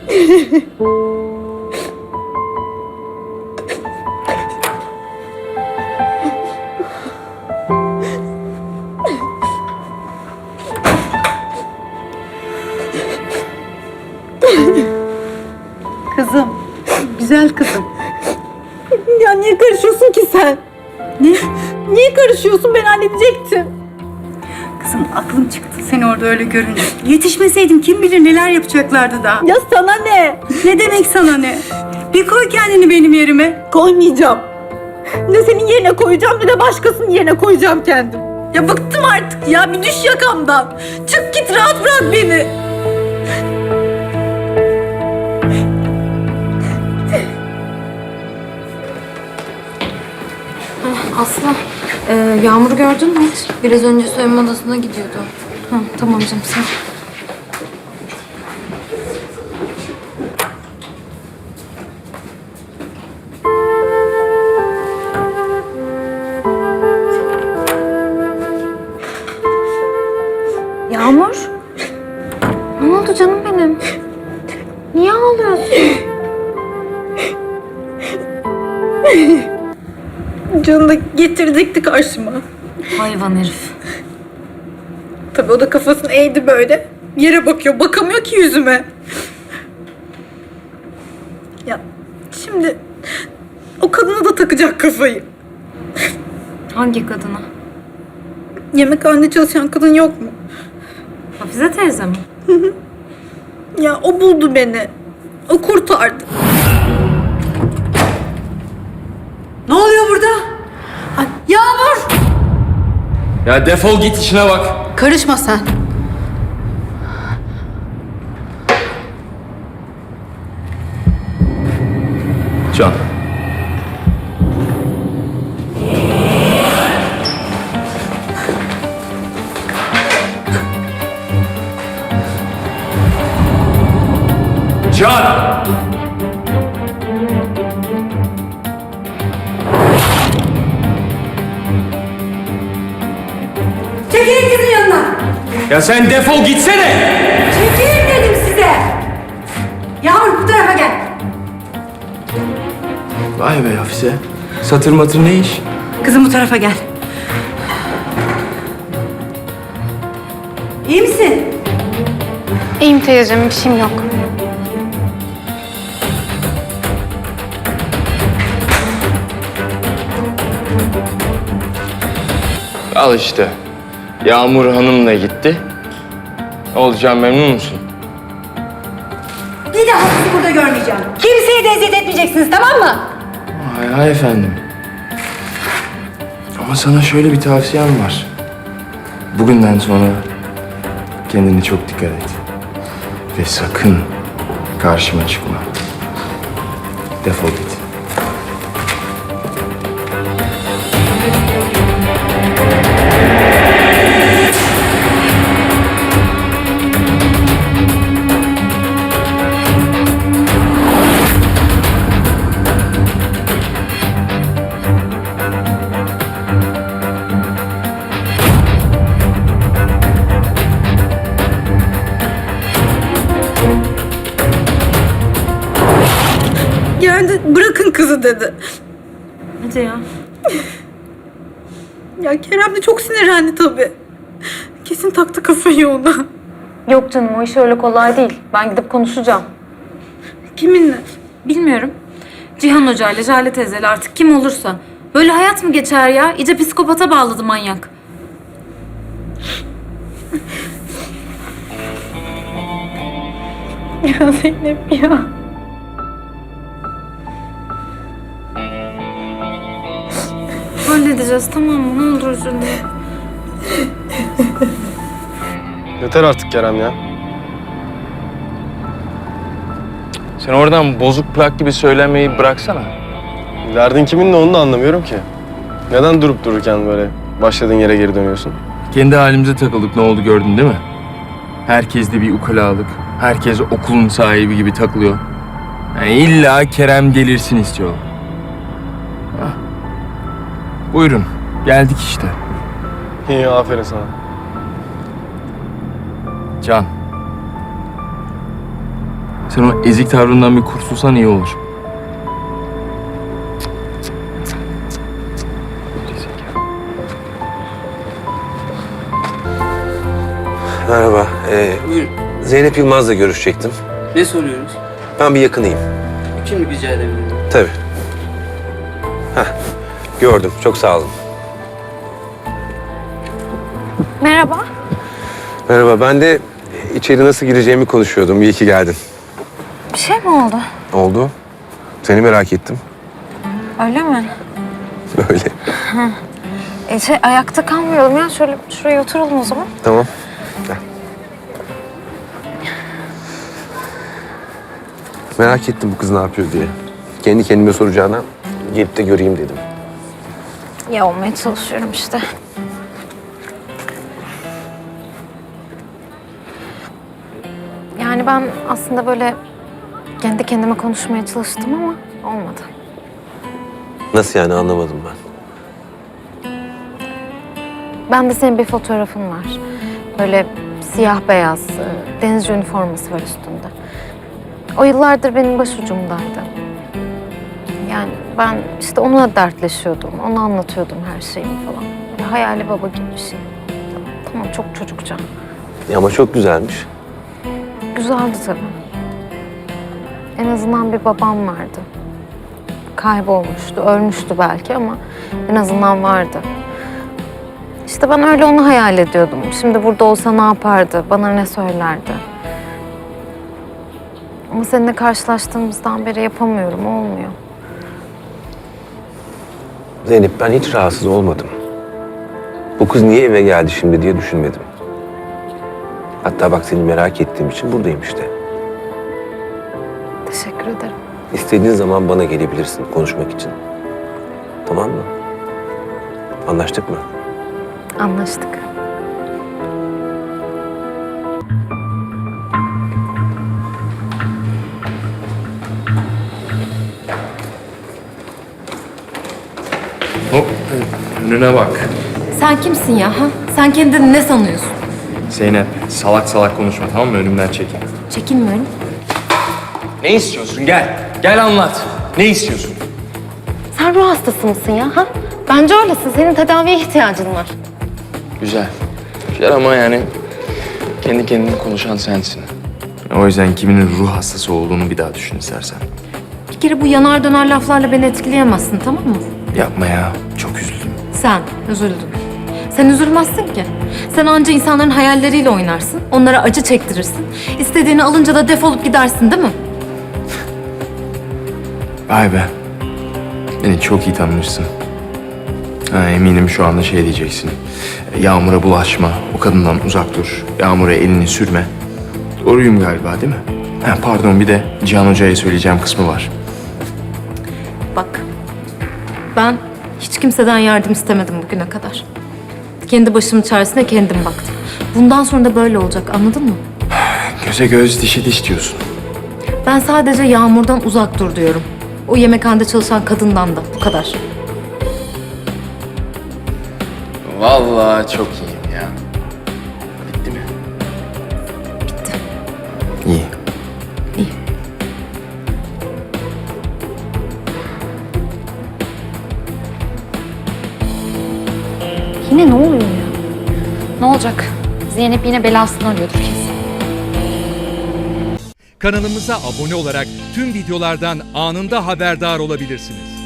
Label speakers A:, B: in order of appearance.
A: Kızım, güzel kızım.
B: Ya niye karışıyorsun ki sen?
A: Ne?
B: Niye karışıyorsun? Ben halledecektim.
A: Kızım aklım çıktı seni orada öyle görünce. Yetişmeseydim kim bilir neler yapacaklardı daha.
B: Ya sana ne?
A: Ne demek sana ne? Bir koy kendini benim yerime.
B: Koymayacağım. Ne senin yerine koyacağım ne de başkasının yerine koyacağım kendim. Ya bıktım artık ya. Bir düş yakamdan. Çık git, rahat bırak beni.
C: Aslı, Yağmur'u gördün mü hiç? Biraz önce soyunma odasına gidiyordu. Tamam canım, sen. Yağmur? Ne oldu canım benim? Niye ağlıyorsun?
B: Canı da getirecekti karşıma.
C: Hayvan herif.
B: Tabii o da kafasını eğdi böyle. Yere bakıyor. Bakamıyor ki yüzüme. Ya şimdi o kadına da takacak kafayı.
C: Hangi kadına?
B: Yemekhanede çalışan kadın yok mu?
C: Hafize teyze mi?
B: Ya o buldu beni. O kurtardı.
A: Ne oluyor burada? Ay, Yağmur!
D: Ya defol git işine bak.
A: Karışma sen.
D: Can. Can!
A: Çekilin kızın yanına.
D: Ya sen defol gitsene!
A: Çekilin dedim size. Yağmur bu tarafa gel.
D: Vay be Hafize. Satır matır ne iş?
A: Kızım bu tarafa gel. İyi misin?
C: İyiyim teyzeciğim, bir şeyim yok.
D: Al işte. Yağmur Hanım'la gitti. Olacağım, memnun musun?
A: Bir daha sizi burada görmeyeceğim. Kimseye de eziyet etmeyeceksiniz, tamam mı?
D: Hay efendim. Ama sana şöyle bir tavsiyem var. Bugünden sonra kendine çok dikkat et. Ve sakın karşıma çıkma. Defol git.
B: Geldi, bırakın kızı dedi.
C: Hadi ya.
B: Ya Kerem de çok sinirlendi tabii. Kesin taktı kafayı ona.
C: Yok canım, o iş öyle kolay değil. Ben gidip konuşacağım.
B: Kiminle?
C: Bilmiyorum. Cihan Hoca ile Jale teyzeyle artık kim olursa. Böyle hayat mı geçer ya? İyice psikopata bağladı manyak.
B: Ya Zeynep ya.
C: Halledeceğiz, tamam mı? Ne olur üzülme.
E: Yeter artık Kerem ya.
D: Sen oradan bozuk plak gibi söylemeyi bıraksana.
E: Derdin kiminle onu da anlamıyorum ki. Neden durup dururken böyle başladığın yere geri dönüyorsun?
D: Kendi halimize takıldık, ne oldu gördün değil mi? Herkes de bir ukalalık. Herkes okulun sahibi gibi takılıyor. Yani illa Kerem gelirsin istiyor. Hah. Buyurun, geldik işte.
E: İyi, aferin sana.
D: Can. Sen o ezik tavrından bir kurtulsan iyi olur.
F: Merhaba.
G: Buyurun.
F: Zeynep Yılmaz'la görüşecektim.
G: Ne soruyoruz?
F: Ben bir yakınıyım.
G: Kim rica edebilirim?
F: Tabii. Heh, gördüm. Çok sağ olun.
C: Merhaba.
F: Merhaba. Ben de içeri nasıl gireceğimi konuşuyordum. İyi ki geldin.
C: Bir şey mi oldu?
F: Oldu. Seni merak ettim.
C: Öyle mi?
F: Öyle.
C: Ayakta kalmayalım ya. Şöyle şuraya oturalım o zaman.
F: Tamam. Gel. Merak ettim bu kız ne yapıyor diye. Kendi kendime soracağına gelip de göreyim dedim.
C: Ya olmaya çalışıyorum işte. Yani ben aslında böyle kendi kendime konuşmaya çalıştım ama olmadı.
F: Nasıl yani anlamadım ben.
C: Ben de senin bir fotoğrafın var. Böyle siyah beyaz, denizci üniforması var üstünde. O yıllardır benim başucumdaydı. Yani ben işte onunla dertleşiyordum, ona anlatıyordum her şeyimi falan. Böyle hayali baba gibi bir şey. Tamam çok çocukça.
F: Ama çok güzelmiş.
C: Güzeldi tabii. En azından bir babam vardı. Kaybolmuştu, ölmüştü belki ama en azından vardı. İşte ben öyle onu hayal ediyordum. Şimdi burada olsa ne yapardı, bana ne söylerdi. Ama seninle karşılaştığımızdan beri yapamıyorum, olmuyor.
F: Zeynep ben hiç rahatsız olmadım. Bu kız niye eve geldi şimdi diye düşünmedim. Hatta bak seni merak ettiğim için buradayım işte.
C: Teşekkür ederim.
F: İstediğin zaman bana gelebilirsin konuşmak için. Tamam mı? Anlaştık mı?
C: Anlaştık.
D: Hop, önüne bak.
C: Sen kimsin ya? Ha? Sen kendini ne sanıyorsun?
D: Zeynep, salak salak konuşma tamam mı? Önümden çekin.
C: Çekinmiyorum.
D: Ne istiyorsun? Gel. Gel anlat. Ne istiyorsun?
C: Sen ruh hastası mısın ya? Ha? Bence öylesin. Senin tedaviye ihtiyacın var.
D: Güzel. Güzel ama yani kendi kendine konuşan sensin. O yüzden kiminin ruh hastası olduğunu bir daha düşün istersen.
C: Bir kere bu yanar döner laflarla beni etkileyemezsin, tamam mı?
D: Yapma ya. Çok üzüldüm.
C: Sen üzüldün. Sen üzülmezsin ki. Sen anca insanların hayalleriyle oynarsın. Onlara acı çektirirsin. İstediğini alınca da defolup gidersin değil mi?
D: Vay be. Beni çok iyi tanımışsın. Ha, eminim şu anda şey diyeceksin. Yağmur'a bulaşma. O kadından uzak dur. Yağmur'a elini sürme. Doğruyum galiba değil mi? Ha, pardon bir de Cihan Hoca'ya söyleyeceğim kısmı var.
C: Bak. Ben hiç kimseden yardım istemedim bugüne kadar. Kendi başımın çaresine kendim baktım. Bundan sonra da böyle olacak, anladın mı?
D: Göze göz dişe diş diyorsun.
C: Ben sadece Yağmur'dan uzak dur diyorum. O yemekhanede çalışan kadından da, bu kadar.
D: Vallahi çok iyiyim ya. Bitti mi?
C: Bitti.
D: İyi.
C: İyi. Yine ne oluyor ya?
H: Ne olacak? Zeynep yine belasını arıyordur kesin.
I: Kanalımıza abone olarak tüm videolardan anında haberdar olabilirsiniz.